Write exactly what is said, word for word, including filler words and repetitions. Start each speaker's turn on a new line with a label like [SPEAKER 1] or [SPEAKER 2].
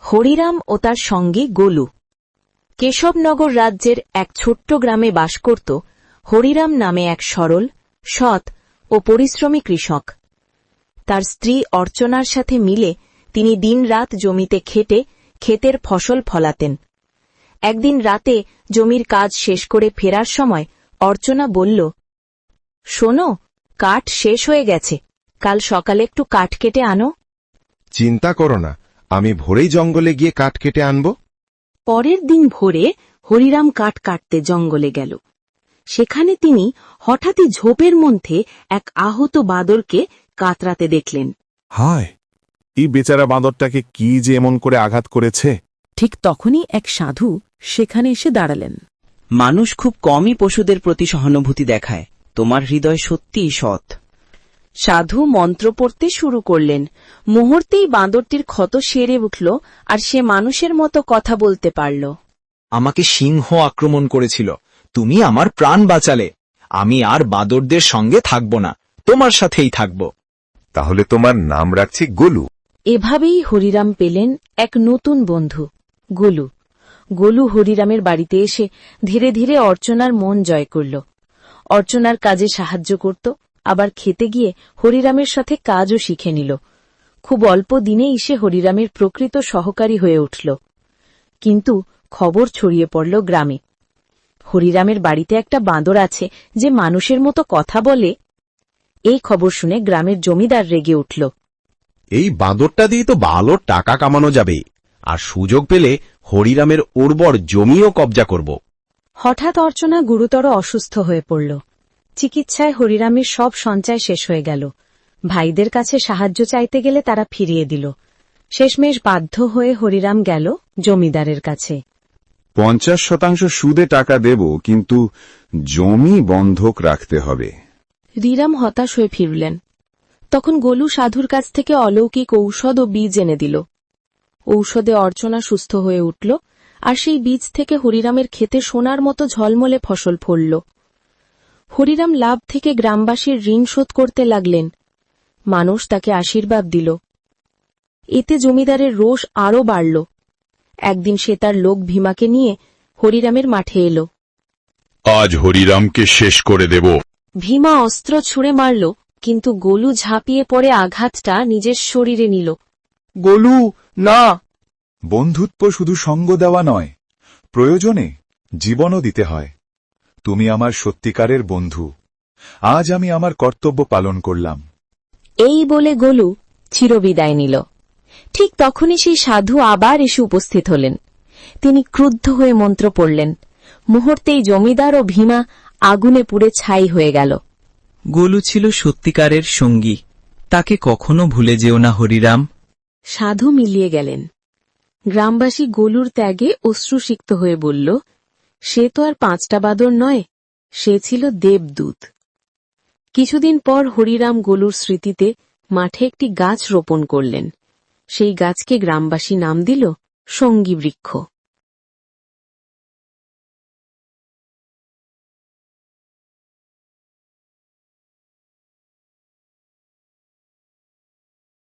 [SPEAKER 1] হরিরাম ও তার সঙ্গী গোলু। কেশবনগর রাজ্যের এক ছোট্ট গ্রামে বাস করত হরিরাম নামে এক সরল, সৎ ও পরিশ্রমী কৃষক। তার স্ত্রী অর্চনার সাথে মিলে তিনি দিনরাত জমিতে খেটে ক্ষেতের ফসল ফলাতেন। একদিন রাতে জমির কাজ শেষ করে ফেরার সময় অর্চনা বলল, শোনো, কাঠ শেষ হয়ে গেছে, কাল সকালে একটু কাঠ কেটে আনো।
[SPEAKER 2] চিন্তা করো না, আমি ভোরেই জঙ্গলে গিয়ে কাঠ কেটে আনব।
[SPEAKER 1] পরের দিন ভোরে হরিরাম কাঠ কাটতে জঙ্গলে গেল। সেখানে তিনি হঠাৎই ঝোপের মধ্যে এক আহত বাঁদরকে কাতরাতে দেখলেন।
[SPEAKER 3] হায়, এই বেচারা বাঁদরটাকে কি যে এমন করে আঘাত করেছে!
[SPEAKER 4] ঠিক তখনই এক সাধু সেখানে এসে দাঁড়ালেন।
[SPEAKER 5] মানুষ খুব কমই পশুদের প্রতি সহানুভূতি দেখায়, তোমার হৃদয় সত্যিই সৎ।
[SPEAKER 1] সাধু মন্ত্র পড়তে শুরু করলেন। মুহূর্তেই বাঁদরটির ক্ষত সেরে উঠল আর সে মানুষের মতো কথা বলতে পারল।
[SPEAKER 6] আমাকে সিংহ আক্রমণ করেছিল, তুমি আমার প্রাণ বাঁচালে। আমি আর বাঁদরদের সঙ্গে থাকব না, তোমার সাথেই থাকব।
[SPEAKER 2] তাহলে তোমার নাম রাখছি গোলু।
[SPEAKER 1] এভাবেই হরিরাম পেলেন এক নতুন বন্ধু, গোলু। গোলু হরিরামের বাড়িতে এসে ধীরে ধীরে অর্চনার মন জয় করল। অর্চনার কাজে সাহায্য করত, আবার খেতে গিয়ে হরিরামের সাথে কাজও শিখে নিল। খুব অল্প দিনেই সে হরিরামের প্রকৃত সহকারী হয়ে উঠল। কিন্তু খবর ছড়িয়ে পড়ল গ্রামে, হরিরামের বাড়িতে একটা বাঁদর আছে যে মানুষের মতো কথা বলে। এই খবর শুনে গ্রামের জমিদার রেগে উঠল।
[SPEAKER 7] এই বাঁদরটা দিয়ে তো ভালো টাকা কামানো যাবে, আর সুযোগ পেলে হরিরামের উর্বর জমিও কবজা করব।
[SPEAKER 1] হঠাৎ অর্চনা গুরুতর অসুস্থ হয়ে পড়ল। চিকিৎসায় হরিরামের সব সঞ্চয় শেষ হয়ে গেল। ভাইদের কাছে সাহায্য চাইতে গেলে তারা ফিরিয়ে দিল। শেষমেশ বাধ্য হয়ে হরিরাম গেল জমিদারের কাছে।
[SPEAKER 3] পঞ্চাশ শতাংশ সুদে টাকা দেব, কিন্তু জমি বন্ধক রাখতে হবে।
[SPEAKER 1] হরিরাম হতাশ হয়ে ফিরলেন। তখন গোলু সাধুর কাছ থেকে অলৌকিক ঔষধ ও বীজ এনে দিল। ঔষধে অর্চনা সুস্থ হয়ে উঠল, আর সেই বীজ থেকে হরিরামের ক্ষেতে সোনার মতো ঝলমলে ফসল ফলল। হরিরাম লাভ থেকে গ্রামবাসীর ঋণ শোধ করতে লাগলেন। মানুষ তাকে আশীর্বাদ দিল। এতে জমিদারের রোষ আরও বাড়ল। একদিন সে তার লোক ভীমাকে নিয়ে হরিরামের মাঠে এল।
[SPEAKER 8] আজ হরিরামকে শেষ করে দেব।
[SPEAKER 1] ভীমা অস্ত্র ছুঁড়ে মারল, কিন্তু গোলু ঝাঁপিয়ে পড়ে আঘাতটা নিজের শরীরে নিল।
[SPEAKER 2] গোলু, না!
[SPEAKER 3] বন্ধুত্ব শুধু সঙ্গ দেওয়া নয়, প্রয়োজনে জীবনও দিতে হয়। তুমি আমার সত্যিকারের বন্ধু। আজ আমি আমার কর্তব্য পালন করলাম।
[SPEAKER 1] এই বলে গোলু চিরবিদায় নিল। ঠিক তখনই সেই সাধু আবার এসে উপস্থিত হলেন। তিনি ক্রুদ্ধ হয়ে মন্ত্র পড়লেন। মুহূর্তেই জমিদার ও ভীমা আগুনে পুড়ে ছাই হয়ে গেল।
[SPEAKER 5] গোলু ছিল সত্যিকারের সঙ্গী, তাকে কখনো ভুলে যেও না হরিরাম।
[SPEAKER 1] সাধু মিলিয়ে গেলেন। গ্রামবাসী গোলুর ত্যাগে অশ্রুসিক্ত হয়ে বলল, সে তো আর পাঁচটা বাঁদর নয়, সে ছিল দেবদূত। কিছুদিন পর হরিরাম গোলুর স্মৃতিতে মাঠে একটি গাছ রোপণ করলেন। সেই গাছকে গ্রামবাসী নাম দিল সঙ্গী বৃক্ষ।